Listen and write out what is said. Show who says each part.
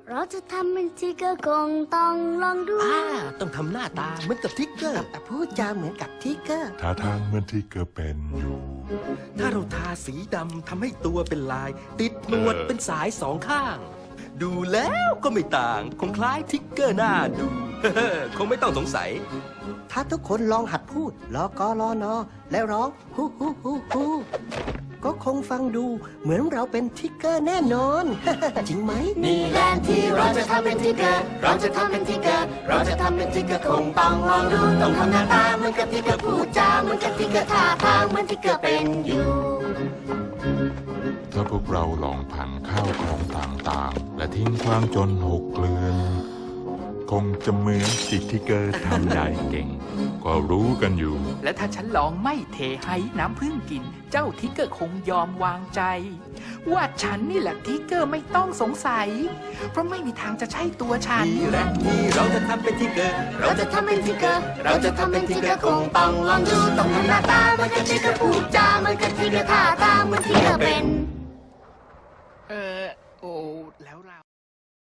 Speaker 1: เราจะทำเป็นทิกเกอร์คงต้องลองดู
Speaker 2: ต้องทำหน้าตาเหมือนกับทิกเกอร์
Speaker 3: พูดจาเหมือนกับทิกเกอร์
Speaker 4: ท่าทางเหมือนที่เกอร์เป็นอยู่
Speaker 2: ถ้าเราทาสีดำทำให้ตัวเป็นลาย ติดหนวดเป็นสายสองข้าง ดูแล้วก็ไม่ต่างคงคล้ายทิกเกอร์หน้าดู คงไม่ต้องสงสัย
Speaker 3: ถ้าทุกคนลองหัดพูดลอกอลอนอแล้วร้องฮูฮูฮูฮูก็คงฟังดูเหมือนเราเป็นทิกเกอร์แน่นอน จริงไหม
Speaker 1: นี่แหละที่เราจะทำเป็นทิกเกอร์เราจะทำเป็นทิกเกอร์เราจะทำเป็นทิกเกอร์คงต้องลองดูต้องทำหน้าตาเหมือนกับทิกเกอร์พูดจาเหมือนกับทิกเกอร์ท่าทางเหมือนทิกเกอร์เป็นอยู่
Speaker 4: ถ้าพวกเราลองพังข้าวของต่างๆและทิ้งขว้างจนหกเกลื่อนคงจะเหมือนที่เกอร์ทำได้เก่งก็รู้กันอยู่
Speaker 5: และถ้าฉันลองไม่เทให้น้ำพึ่งกินเจ้าทิกเกอร์คงยอมวางใจว่าฉันนี่แหละทิกเกอร์ไม่ต้องสงสัยเพราะไม่มีทางจะใช่ตัวฉัน
Speaker 2: นี่แหละที่เราจะทำเป็นทิกเกอร์
Speaker 1: เราจะทำเป็นทิกเกอร์เราจะทำเป็นทิกเกอร์คงต้องลองดูต้องทำหน้าตาเหมือนกับทิกเกอร์พูดจาเหมือนกับทิกเกอร์ท่าทางเหมือนทิกเกอร์เป็น
Speaker 5: โอ้แล้วเรา